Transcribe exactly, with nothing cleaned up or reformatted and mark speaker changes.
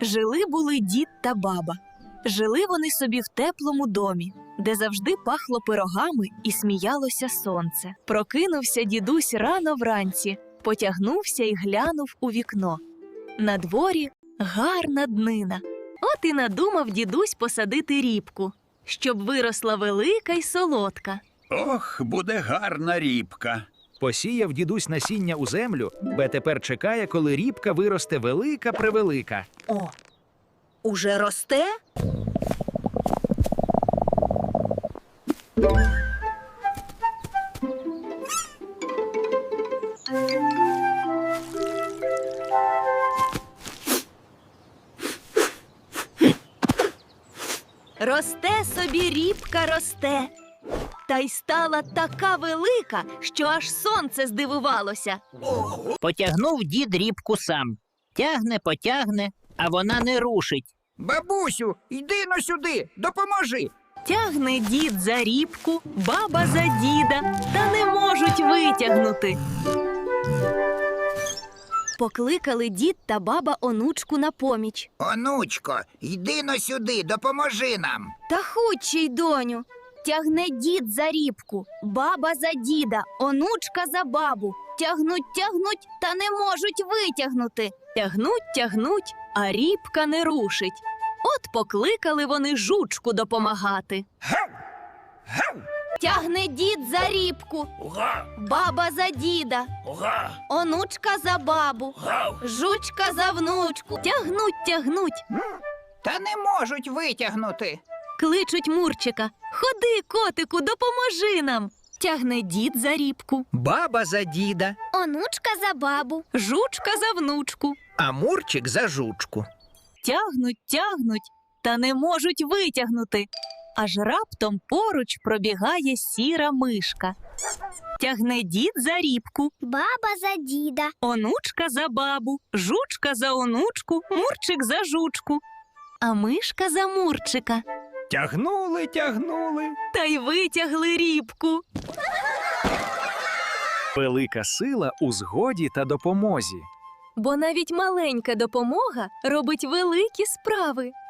Speaker 1: Жили-були дід та баба. Жили вони собі в теплому домі, де завжди пахло пирогами і сміялося сонце. Прокинувся дідусь рано вранці, потягнувся і глянув у вікно. На дворі гарна днина. От і надумав дідусь посадити ріпку, щоб виросла велика й солодка.
Speaker 2: Ох, буде гарна ріпка.
Speaker 3: Посіяв дідусь насіння у землю, бо тепер чекає, коли ріпка виросте велика-превелика.
Speaker 4: О, уже росте?
Speaker 1: Росте собі ріпка росте, та й стала така велика, що аж сонце здивувалося.
Speaker 5: Потягнув дід рібку сам. Тягне, потягне, а вона не рушить.
Speaker 6: Бабусю, йди но сюди, допоможи.
Speaker 1: Тягне дід за рібку, баба за діда, та не можуть витягнути. Покликали дід та баба онучку на поміч.
Speaker 6: Онучко, йди но сюди, допоможи нам.
Speaker 1: Та хутче й, доню. Тягне дід за рібку, баба за діда, онучка за бабу. Тягнуть, тягнуть, та не можуть витягнути. Тягнуть, тягнуть, а рібка не рушить. От покликали вони жучку допомагати.
Speaker 6: Гав! Гав!
Speaker 1: Тягне дід за рібку,
Speaker 6: Уга!
Speaker 1: баба за діда,
Speaker 6: Уга!
Speaker 1: онучка за бабу,
Speaker 6: Гав!
Speaker 1: жучка за внучку. Тягнуть, тягнуть,
Speaker 6: Та не можуть витягнути.
Speaker 1: кличуть Мурчика. Ходи, котику, допоможи нам. Тягне дід за рібку,
Speaker 7: Баба за діда,
Speaker 1: онучка за бабу, жучка за внучку.
Speaker 7: а Мурчик за жучку.
Speaker 1: Тягнуть, тягнуть, та не можуть витягнути. Аж раптом поруч пробігає сіра мишка. Тягне дід за рібку,
Speaker 8: Баба за діда,
Speaker 1: онучка за бабу, жучка за онучку, Мурчик за жучку, а мишка за Мурчика.
Speaker 3: Тягнули, тягнули.
Speaker 1: Та й витягли рібку.
Speaker 3: Велика сила у згоді та допомозі.
Speaker 1: Бо навіть маленька допомога робить великі справи.